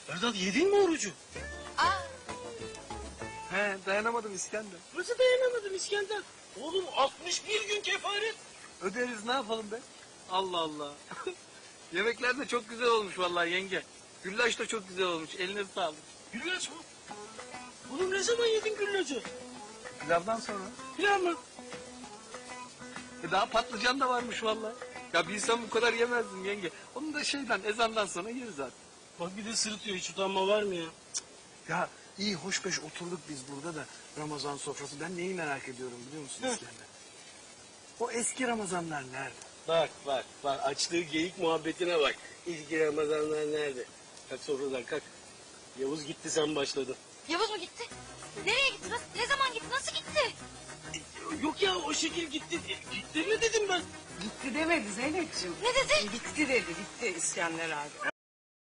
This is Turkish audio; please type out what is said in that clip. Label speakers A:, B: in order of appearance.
A: Erdal yedin mi orucu?
B: Aa,
C: He, dayanamadım İskender.
A: Nasıl dayanamadın İskender? Oğlum 61 gün kefaret.
C: Öderiz, ne yapalım be? Allah Allah. Yemekler de çok güzel olmuş vallahi yenge. Güllaç da çok güzel olmuş. Eline sağlık.
A: Güllaç mı? Oğlum ne zaman yedin güllacı?
C: Pilavdan sonra.
A: Pilav mı?
C: Daha patlıcan da varmış vallahi. Ya bilsem bu kadar yemezdim yenge. Onu da ezandan sonra yeriz artık.
A: Bak bir de sırıtıyor, hiç utanma var mı ya?
C: Ya iyi hoş beş oturduk biz burada da Ramazan sofrası. Ben neyi merak ediyorum biliyor musun
A: Hı.
C: İskender? O eski Ramazanlar nerede?
A: Bak açtığı geyik muhabbetine bak. İlk Ramazanlar nerede? Kalk sofradan kalk. Yavuz gitti, sen başladın.
B: Yavuz mu gitti? Nereye gitti? Ne zaman gitti? Nasıl gitti?
A: Yok ya, o şekil gitti. Gitti mi dedim ben.
D: Gitti demedi Zeynep'ciğim.
B: Ne dedi?
D: Gitti dedi, gitti İskender abi.